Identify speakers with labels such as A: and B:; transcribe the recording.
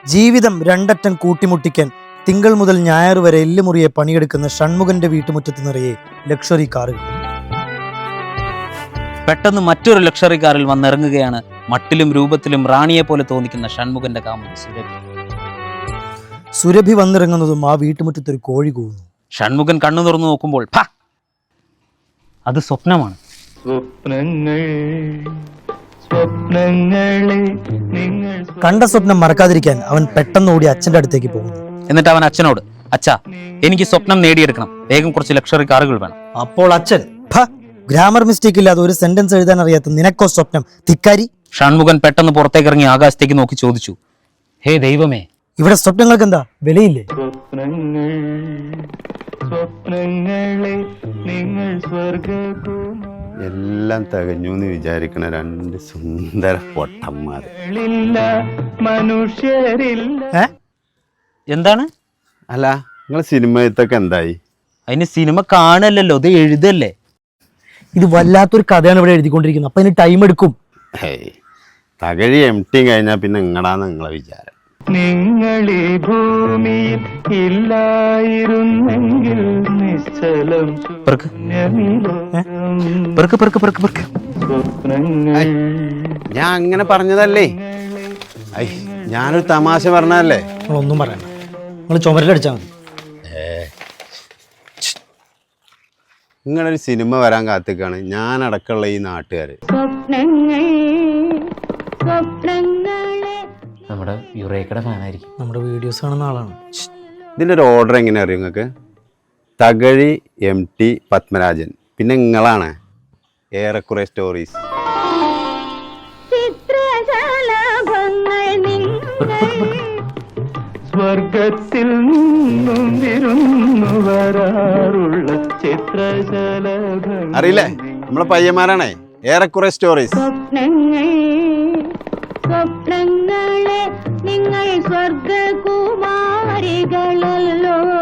A: ജീവിതം രണ്ടറ്റം കൂട്ടിമുട്ടിക്കാൻ തിങ്കൾ മുതൽ ഞായർ വരെ എല്ലുമുറിയെ പണിയെടുക്കുന്ന ഷൺമുഖന്റെ വീട്ടുമുറ്റത്ത് നിറയെ ലക്ഷറി കാറുകൾ.
B: പെട്ടെന്ന് മറ്റൊരു ലക്ഷറി കാറിൽ വന്നിറങ്ങുകയാണ് മട്ടിലും രൂപത്തിലും റാണിയെ പോലെ തോന്നിക്കുന്ന ഷൺമുഖന്റെ കാമുകി സുരഭി.
A: സുരഭി വന്നിറങ്ങുന്നതും ആ വീട്ടുമുറ്റത്ത് ഒരു കോഴി കൂവുന്നു.
B: ഷൺമുഖൻ കണ്ണു തുറന്നു നോക്കുമ്പോൾ അത് സ്വപ്നമാണ്.
A: കണ്ട സ്വപ്നം മറക്കാതിരിക്കാൻ അവൻ പെട്ടെന്ന് ഓടി അച്ഛന്റെ അടുത്തേക്ക് പോകുന്നു.
B: എന്നിട്ട് അവൻ അച്ഛനോട്, അച്ഛാ, എനിക്ക് സ്വപ്നം നേടിയെടുക്കണം, വേഗം കുറച്ച് ലക്ഷറി കാറുകൾ വേണം.
A: അപ്പോൾ അച്ഛൻ, ഗ്രാമർ മിസ്റ്റേക്ക് ഇല്ലാതെ ഒരു സെന്റൻസ് എഴുതാൻ അറിയാത്ത നിനക്കോ സ്വപ്നം, ധിക്കാരി.
B: ഷൺമുഖൻ പെട്ടെന്ന് പുറത്തേക്ക് ഇറങ്ങി ആകാശത്തേക്ക് നോക്കി ചോദിച്ചു, ഹേ ദൈവമേ,
A: ഇവിടെ സ്വപ്നങ്ങൾക്ക് എന്താ വിലയില്ലേ?
C: എല്ലാം തികഞ്ഞു എന്ന് വിചാരിക്കണ രണ്ട് സുന്ദര പൊട്ടന്മാർ.
B: എന്താണ്?
C: അല്ല, നിങ്ങൾ സിനിമയത്തൊക്കെ എന്തായി?
B: അതിന് സിനിമ കാണല്ലോ, ഇത് എഴുതല്ലേ.
A: ഇത് വല്ലാത്തൊരു കഥയാണ് ഇവിടെ എഴുതിക്കൊണ്ടിരിക്കുന്നത്. അപ്പൊ അതിന് ടൈം എടുക്കും.
C: തകഴി MT കഴിഞ്ഞാൽ പിന്നെ എങ്ങടാന്ന് നിങ്ങളെ വിചാരം.
D: നിങ്ങളീ ഭൂമിയിൽ ഇല്ലായിരുന്നെങ്കിൽ നിശ്ചലം
C: ഞാൻ അങ്ങനെ പറഞ്ഞതല്ലേ, ഞാനൊരു തമാശ പറഞ്ഞതല്ലേ.
A: നിങ്ങളൊന്നും പറയണ്ട, നിങ്ങൾ ചുമരിലടിച്ചാൽ മതി.
C: നിങ്ങളൊരു സിനിമ വരാൻ കാത്തിക്കാണ് ഞാനടക്കമുള്ള ഈ നാട്ടുകാര്.
B: നമ്മുടെ യുറേക്കയുടെ ഫാനായിരിക്കും.
A: നമ്മുടെ വീഡിയോസ് കാണുന്ന ആളാണ്.
C: ഇതിൻ്റെ ഒരു ഓർഡർ എങ്ങനെ അറിയും നിങ്ങൾക്ക്? തകഴി, MT, പത്മരാജൻ, പിന്നെ നിങ്ങളാണ് ഏറെക്കുറെ സ്റ്റോറീസ്.
D: സ്വർഗത്തിൽ നിന്നും വിരുന്നു വരാറുള്ള ചിത്രശലഭങ്ങൾ.
C: അറിയില്ലേ, നമ്മളെ പയ്യന്മാരാണേ ഏറെക്കുറെ സ്റ്റോറീസ്.
E: സ്വപ്നങ്ങളെ നിങ്ങൾ സ്വർഗകുമാരികളല്ലോ.